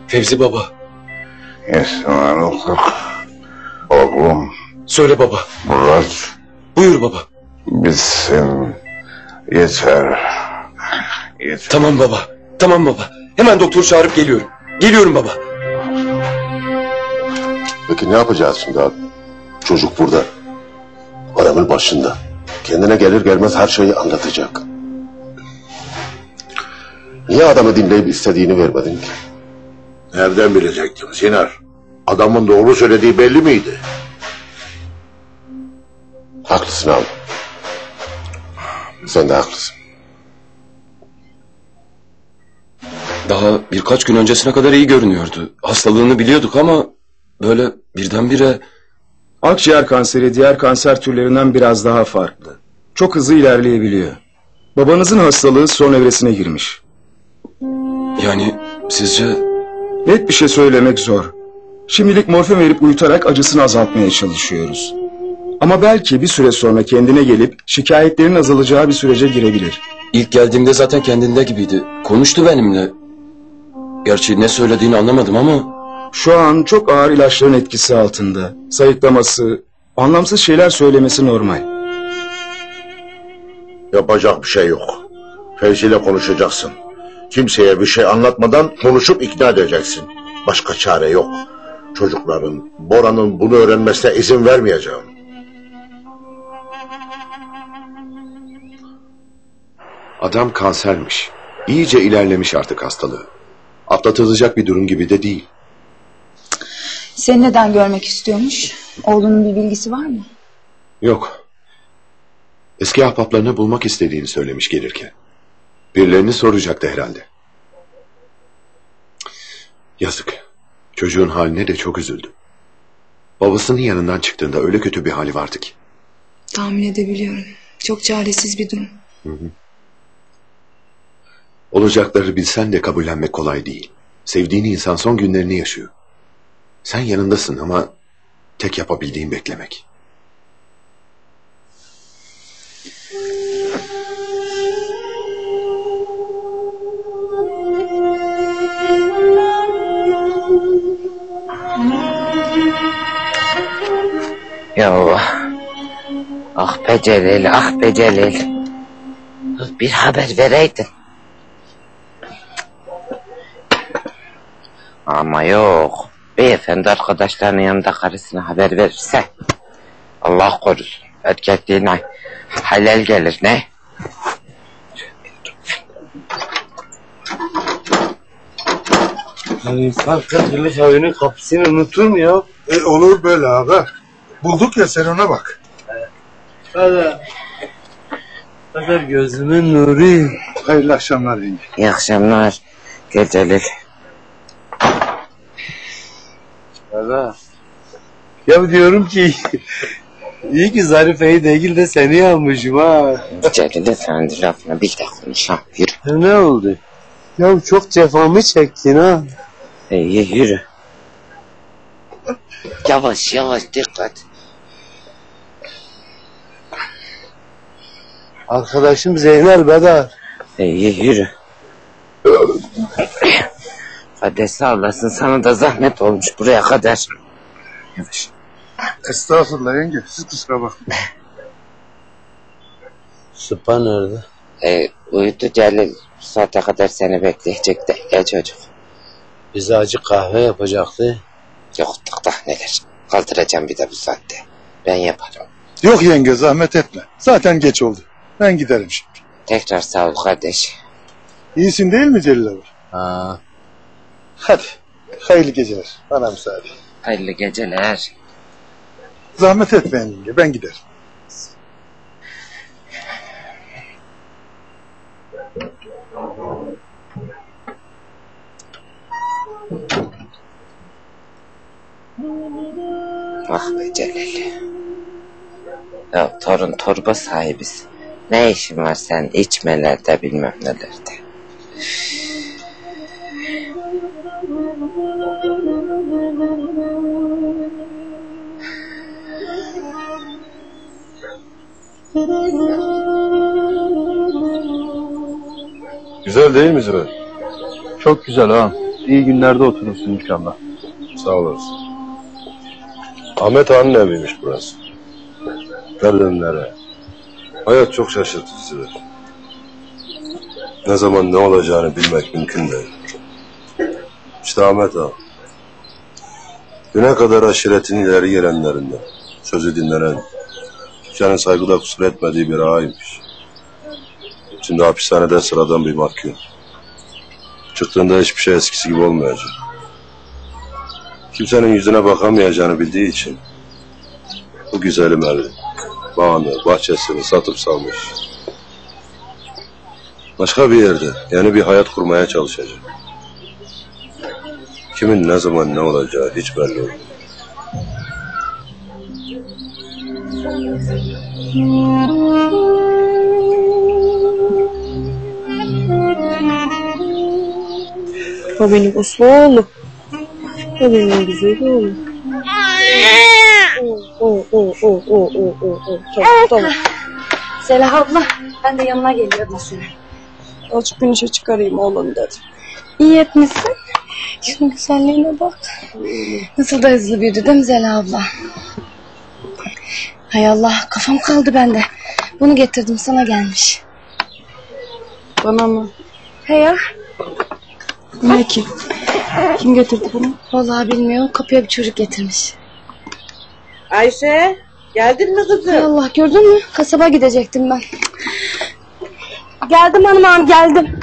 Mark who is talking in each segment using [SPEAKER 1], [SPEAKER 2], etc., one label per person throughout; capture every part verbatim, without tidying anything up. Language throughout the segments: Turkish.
[SPEAKER 1] Fevzi baba.
[SPEAKER 2] Esmanlık. Oğlum.
[SPEAKER 1] Söyle baba.
[SPEAKER 2] Murat.
[SPEAKER 1] Buyur baba.
[SPEAKER 2] Bitsin. Yeter. Yeter.
[SPEAKER 1] Tamam baba. Tamam baba. Hemen doktor çağırıp geliyorum. Geliyorum baba.
[SPEAKER 3] Peki ne yapacağız şimdi abi? Çocuk burada. Adamın başında. Kendine gelir gelmez her şeyi anlatacak. Niye adamı dinleyip istediğini vermedin ki?
[SPEAKER 4] Nereden bilecektim Sinar? Adamın doğru söylediği belli miydi?
[SPEAKER 3] Haklısın abi. Sen de haklısın.
[SPEAKER 1] Daha birkaç gün öncesine kadar iyi görünüyordu. Hastalığını biliyorduk ama böyle birdenbire...
[SPEAKER 5] Akciğer kanseri diğer kanser türlerinden biraz daha farklı. Çok hızlı ilerleyebiliyor. Babanızın hastalığı son evresine girmiş.
[SPEAKER 1] Yani sizce...
[SPEAKER 5] Net bir şey söylemek zor. Şimdilik morfin verip uyutarak acısını azaltmaya çalışıyoruz. Ama belki bir süre sonra kendine gelip şikayetlerin azalacağı bir sürece girebilir.
[SPEAKER 1] İlk geldiğimde zaten kendinde gibiydi. Konuştu benimle. Gerçi ne söylediğini anlamadım ama...
[SPEAKER 5] Şu an çok ağır ilaçların etkisi altında. Sayıklaması, anlamsız şeyler söylemesi normal.
[SPEAKER 4] Yapacak bir şey yok. Fevzi ile konuşacaksın. Kimseye bir şey anlatmadan konuşup ikna edeceksin. Başka çare yok. Çocukların, Bora'nın bunu öğrenmesine izin vermeyeceğim.
[SPEAKER 6] Adam kansermiş. İyice ilerlemiş artık hastalığı. Atlatılacak bir durum gibi de değil.
[SPEAKER 7] Seni neden görmek istiyormuş? Oğlunun bir bilgisi var mı?
[SPEAKER 6] Yok. Eski ahbaplarını bulmak istediğini söylemiş gelirken. Birilerini soracaktı herhalde. Yazık. Çocuğun haline de çok üzüldüm. Babasının yanından çıktığında öyle kötü bir hali vardı ki.
[SPEAKER 7] Tahmin edebiliyorum. Çok çaresiz bir durum.
[SPEAKER 6] Hı hı. Olacakları bilsen de kabullenmek kolay değil. Sevdiğin insan son günlerini yaşıyor. Sen yanındasın ama tek yapabildiğin beklemek.
[SPEAKER 8] Ya Allah. Ah be Celil, ah be Celil. Bir haber vereydin. Ama yok. Beyefendi arkadaşlarının yanında karısına haber verirse Allah korusun. Erkekliğine halel gelir ne?
[SPEAKER 9] Yani insan kırk yıllık evinin kapısını unutur mu ya?
[SPEAKER 10] E, olur böyle abi. Bulduk ya, sen ona bak.
[SPEAKER 9] Hadi. Hadi gözümün nuru.
[SPEAKER 10] Hayırlı akşamlar yenge.
[SPEAKER 8] İyi akşamlar. Gel Celil.
[SPEAKER 9] Hadi. Ya diyorum ki iyi ki Zarife'yi değil de seni yanmışım ha.
[SPEAKER 8] Celil'e sen de lafına bir de konuş ha. Yürü.
[SPEAKER 9] Ya ne oldu? Ya çok cefamı çektin ha.
[SPEAKER 8] İyi yürü. Yavaş yavaş dikkat.
[SPEAKER 9] Arkadaşım Zeynel Bedar.
[SPEAKER 8] İyi yürü. Hadi sağ olasın, sana da zahmet olmuş buraya kadar. Yavaş.
[SPEAKER 10] Estağfurullah yenge, siz kusura bakmayın.
[SPEAKER 9] Sıpa nerede?
[SPEAKER 8] Ee, uyudu Celil. Bu saate kadar seni bekleyecek de. Gel çocuk.
[SPEAKER 9] Bize acı kahve yapacaktı.
[SPEAKER 8] Yok da neler. Kaldıracağım bir de bu saatte. Ben yaparım.
[SPEAKER 10] Yok yenge, zahmet etme. Zaten geç oldu. Ben giderim şimdi.
[SPEAKER 8] Tekrar sağ ol kardeş.
[SPEAKER 10] İyisin değil mi Celil abi?
[SPEAKER 9] Ha.
[SPEAKER 10] Hadi. Hayırlı geceler. Bana müsaade.
[SPEAKER 8] Hayırlı geceler.
[SPEAKER 10] Zahmet etmeyin yenge, ben giderim.
[SPEAKER 8] Ah be Celil. Ya torun torba sahibiz. Ne işin var sen içmelerde bilmem nelerde.
[SPEAKER 11] Güzel değil mi Zübeyir?
[SPEAKER 12] Çok güzel ha.
[SPEAKER 11] iyi günlerde oturursun inşallah.
[SPEAKER 3] Sağ olasın. Ahmet Ağa'nın eviymiş burası. Nereden nereye? Hayat çok şaşırtıcı. Ne zaman ne olacağını bilmek mümkün değil. İşte Ahmet Ağa. Güne kadar aşiretin ileri gelenlerinden, sözü dinlenen, kimsenin saygıda kusur etmediği bir ağaymış. Şimdi hapishanede sıradan bir mahkum. Çıktığında hiçbir şey eskisi gibi olmayacak. Kimsenin yüzüne bakamayacağını bildiği için bu güzelim evi, bağını, bahçesini satıp salmış. Başka bir yerde yeni bir hayat kurmaya çalışacak. Kimin ne zaman ne olacağı hiç belli olmuyor.
[SPEAKER 12] O benim uslu oğlum. O benim güzel oğlum. O o o o o o o. Tamam tamam.
[SPEAKER 13] Selah abla, ben de yanına geliyordum senin.
[SPEAKER 12] Azıcık güneşe çıkarayım oğlum dedim.
[SPEAKER 13] İyi etmişsin. Şunun güzelliğine bak. Nasıl da hızlı büyüdü değil mi Zela abla? Hay Allah, kafam kaldı bende. Bunu getirdim, sana gelmiş.
[SPEAKER 12] Bana mı?
[SPEAKER 13] He ya.
[SPEAKER 12] Ne ki? Kim getirdi bunu?
[SPEAKER 13] Vallahi bilmiyorum, kapıya bir çocuk getirmiş.
[SPEAKER 12] Ayşe, geldin mi kızım?
[SPEAKER 13] Hay Allah, gördün mü? Kasaba gidecektim ben. Geldim hanım ağam, geldim.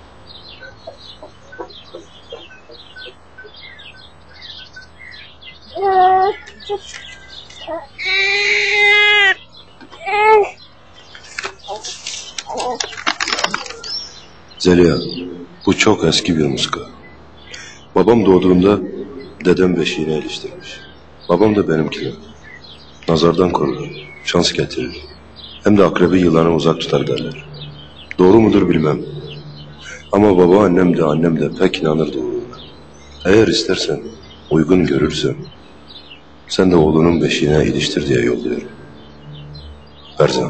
[SPEAKER 3] Zeliha, bu çok eski bir muska. Babam doğduğunda dedem beşiğine iliştirmiş. Babam da benimkine. Nazardan korur, şans getirir. Hem de akrebi yılanı uzak tutar derler. Doğru mudur bilmem. Ama babaannem de annem de pek inanır doğruluğuna. Eğer istersen, uygun görürsen, sen de oğlunun beşiğine iliştir diye yolluyorum. Berzan.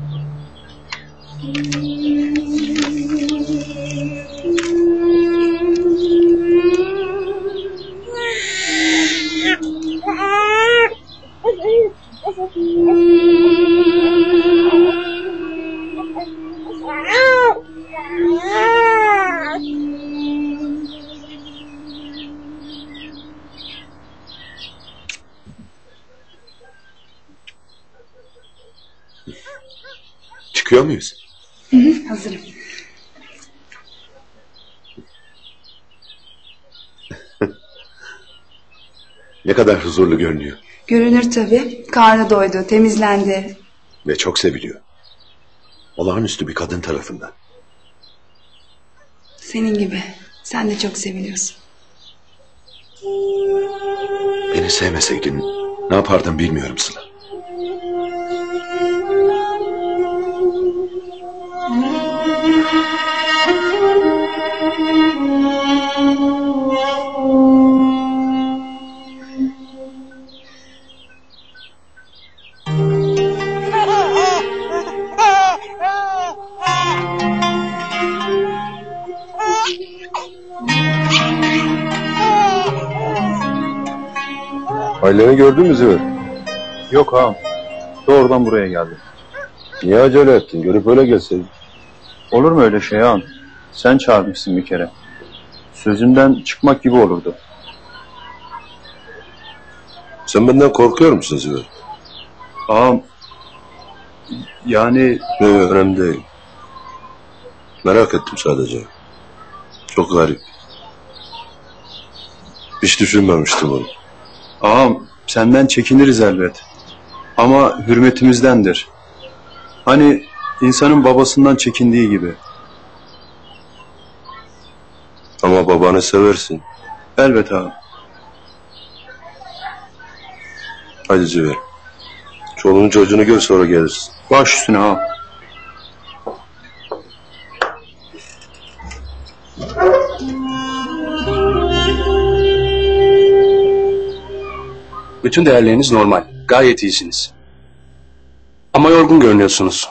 [SPEAKER 6] Çıkıyor muyuz?
[SPEAKER 7] Hı hı, hazırım.
[SPEAKER 6] Ne kadar huzurlu görünüyor.
[SPEAKER 7] Görünür tabii. Karnı doydu, temizlendi.
[SPEAKER 6] Ve çok seviliyor. Olağanüstü bir kadın tarafından.
[SPEAKER 7] Senin gibi. Sen de çok seviliyorsun.
[SPEAKER 6] Beni sevmeseydin ne yapardım bilmiyorum Sıla.
[SPEAKER 3] Aileni gördün mü Züver?
[SPEAKER 11] Yok ağam. Doğrudan buraya geldim.
[SPEAKER 3] Niye acele ettin? Görüp öyle gelseydin.
[SPEAKER 11] Olur mu öyle şey ağam? Sen çağırmışsın bir kere. Sözünden çıkmak gibi olurdu.
[SPEAKER 3] Sen benden korkuyor musun Züver?
[SPEAKER 11] Ağam, yani...
[SPEAKER 3] Ne, önemli değil. Merak ettim sadece. Çok garip. Hiç düşünmemiştim onu.
[SPEAKER 11] Ağam, senden çekiniriz elbet. Ama hürmetimizdendir. Hani insanın babasından çekindiği gibi.
[SPEAKER 3] Ama babanı seversin.
[SPEAKER 11] Elbet ağam.
[SPEAKER 3] Hadi Züver. Çoluğun çocuğunu gör, sonra gelirsin.
[SPEAKER 11] Baş üstüne ağam.
[SPEAKER 14] Bütün değerleriniz normal. Gayet iyisiniz. Ama yorgun görünüyorsunuz.